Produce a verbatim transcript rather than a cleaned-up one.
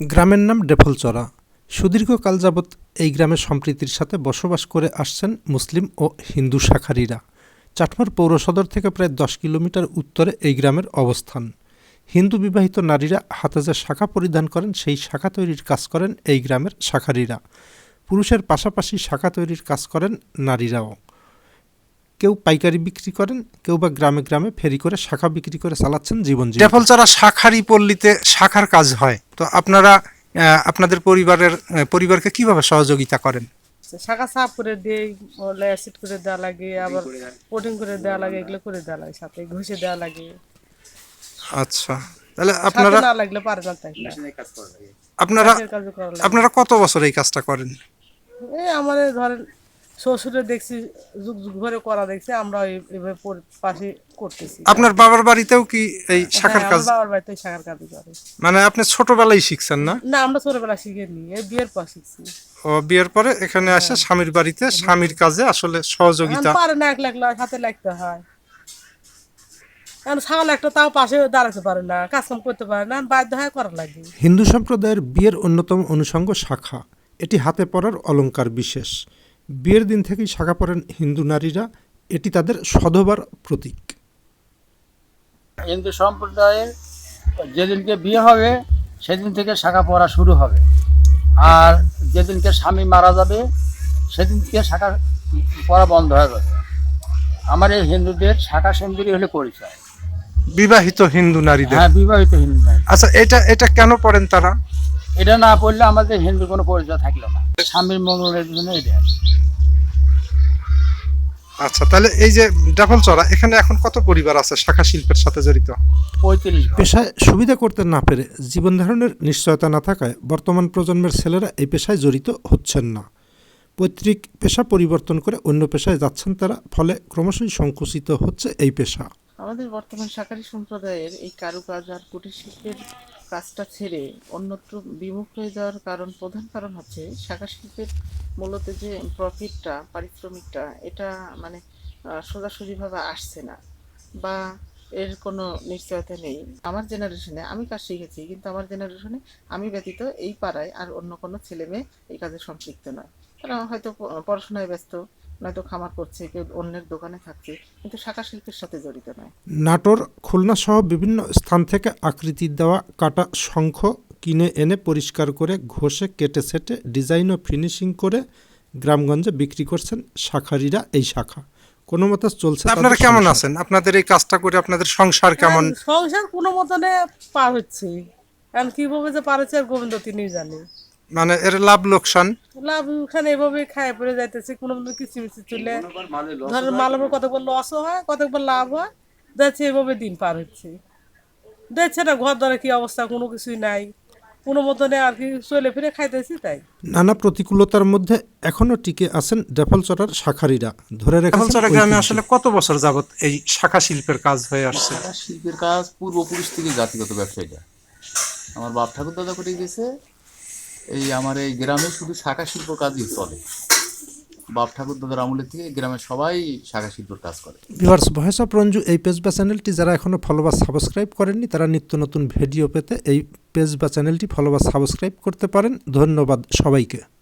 গ্রামের নাম ডেফলচরা। সুদীর্ঘকাল যাবৎ এই গ্রামে সম্প্রীতির সাথে বসবাস করে আসছেন মুসলিম ও হিন্দু শাখারিরা। চাটমার পৌরসদর থেকে প্রায় দশ কিলোমিটার উত্তরে এই গ্রামের অবস্থান। হিন্দু বিবাহিত নারীরা হাতে যে শাখা পরিধান করেন সেই শাখা তৈরির কাজ করেন এই গ্রামের শাখারিরা। পুরুষের পাশাপাশি শাখা তৈরির কাজ করেন নারীরাও। কেউ পাইকারি বিক্রি করেন, কেউ বা গ্রামে গ্রামে ফেরি করে শাখা বিক্রি করে চালাচ্ছেন জীবন। ডেফলচরা শাখারি পল্লীতে শাখার কাজ হয়, তো আপনারা আপনাদের পরিবারের পরিবারকে কিভাবে সহযোগিতা করেন? শাখা সাফ করে দেই, অ্যাসিড করে দেওয়া লাগে, আবার কোটিং করে দেওয়া লাগে, এগুলো করে দেওয়া লাগে, সাথে ঘষে দেওয়া লাগে। আচ্ছা, তাহলে আপনারা না লাগলে পারে না, তাই আপনারা আপনারা কত বছর এই কাজটা করেন? এই আমাদের ধরেন শ্বশুরে দেখছি যুগ যুগ ধরে করা দেখছি, আমরা এইভাবে পাশে করতেছি। আপনার বাবার বাড়িতেও কি এই শাখার কাজ? বাবার বাড়িতে শাখার কাজ করে। মানে আপনি ছোটবেলায় শিখছেন না? না, আমরা ছোটবেলা শিখিনি, এই বিয়ের পর শিখছি। ও, বিয়ের পরে এখানে আসে স্বামীর বাড়িতে স্বামীর কাজে আসলে সহযোগিতা পারে না, এক লাখ হাতে লাগতে হয়। ছাগল একটা তাও পাশে দাঁড়াতে পারে না, কাজকাম করতে পারে না, বাধ্য হয় করা লাগে। হিন্দু সম্প্রদায়ের বিয়ের অন্যতম অনুষঙ্গ শাখা। এটি হাতে পরার অলংকার বিশেষ। বিয়ের দিন থেকেই শাখা পরেন হিন্দু নারীরা, এটি তাদের সধবার প্রতীক। হিন্দু সম্প্রদায়ের যেদিনকে বিয়ে হবে সেদিন থেকে শাখা পরা শুরু হবে, আর যেদিনকে স্বামী মারা যাবে সেদিন থেকে শাখা পরা বন্ধ হয়ে যাবে। আমার এই হিন্দুদের শাখা সুন্দরী হলে পরিচয়, বিবাহিত হিন্দু নারীদের। হ্যাঁ, বিবাহিত হিন্দু নারী। আচ্ছা, এটা এটা কেন পড়েন তারা? এটা না পড়লে আমাদের হিন্দুর কোনো পরিচয় থাকলো না। স্বামীর মঙ্গলের জন্য এটা। আচ্ছা, তাহলে এই যে ডেফলচরা, এখানে এখন কত পরিবার আছে শাখা শিল্পের সাথে জড়িত? পঁয়ত্রিশ। পেশায় সুবিধা করতে না পেরে, জীবন ধারণের নিশ্চয়তা না থাকায় বর্তমান প্রজন্মের ছেলেরা এই পেশায় জড়িত হচ্ছেন না। পৈতৃক পেশা পরিবর্তন করে অন্য পেশায় যাচ্ছেন তারা, ফলে ক্রমশই সংকুচিত হচ্ছে এই পেশা। আমাদের বর্তমান শাখারি সম্প্রদায়ের এই কারুকাজ আর কুটির শিল্পের কাজটা ছেড়ে অন্যত্র বিমুখ হয়ে যাওয়ার কারণ, প্রধান কারণ হচ্ছে শাখা শিল্পের মূলত যে প্রফিটটা, পারিশ্রমিকটা, এটা মানে সোজাসুজিভাবে আসছে না, বা এর কোনো নিশ্চয়তা নেই। আমার জেনারেশনে আমি কাজ শিখেছি, কিন্তু আমার জেনারেশনে আমি ব্যতীত এই পাড়ায় আর অন্য কোনো ছেলে মেয়ে এই কাজে সম্পৃক্ত নয়। তারা হয়তো পড়াশোনায় ব্যস্ত, নয়তো খামার করছে, কেউ অন্যের দোকানে থাকছে, কিন্তু শাখা শিল্পের সাথে জড়িত নয়। নাটোর, খুলনা সহ বিভিন্ন স্থান থেকে আকৃতি দেওয়া কাটা শঙ্খ কিনে এনে পরিষ্কার করে ঘষে কেটে সেটে ডিজাইন ও ফিনিশিং করে গ্রামগঞ্জে বিক্রি করছেন শাখারিরা এই শাখা। কোনো মতে চলছে। আপনারা কেমন আছেন? আপনাদের এই কাজটা করে আপনাদের সংসার কেমন? সংসার কোনো মতনে পার হচ্ছে, কারণ কিভাবে যে পার হচ্ছে আর গোবিন্দ তিনি জানে। মানে এর লাভ লোকসান লাভ লোকসান এভাবে খায় পড়ে যাইতেছে, কোনো মতো কিছু মিছি চলে ধরেন মালামের কতবার লসও হয়, কতবার লাভ হয়, যাচ্ছে এভাবে দিন পার হচ্ছে। দেখছে না ঘর ধরে কি অবস্থা, কোনো কিছুই নাই, কোনো মতনে আর কি চলে ফিরে খাইতেছি। তাই নানা প্রতিকূলতার মধ্যে এখনো টিকে আছেন ডেফলচরার শাখারিরা। ধরে রেখেছেন গ্রামে আসলে কত বছর যাবত এই শাখা শিল্পের কাজ হয়ে আসছে? শাখা শিল্পের কাজ পূর্বপুরুষ থেকে জাতিগত ব্যবসা। এটা আমার বাপ ঠাকুর দাদা করে গেছে। এই আমার এই গ্রামে শুধু শাখা শিল্প কাজই চলে। বাপ ঠাকুর দাদার আমলের থেকে গ্রামের সবাই শাখা শিল্পের কাজ করে। ভিউয়ার্স, ভয়েস অফ রঞ্জু এই পেজ বা চ্যানেলটি যারা এখনো ফলো বা সাবস্ক্রাইব করেননি, তারা নিত্য নতুন ভিডিও পেতে এই পেজ বা চ্যানেলটি ফলো বা সাবস্ক্রাইব করতে পারেন। ধন্যবাদ সবাইকে।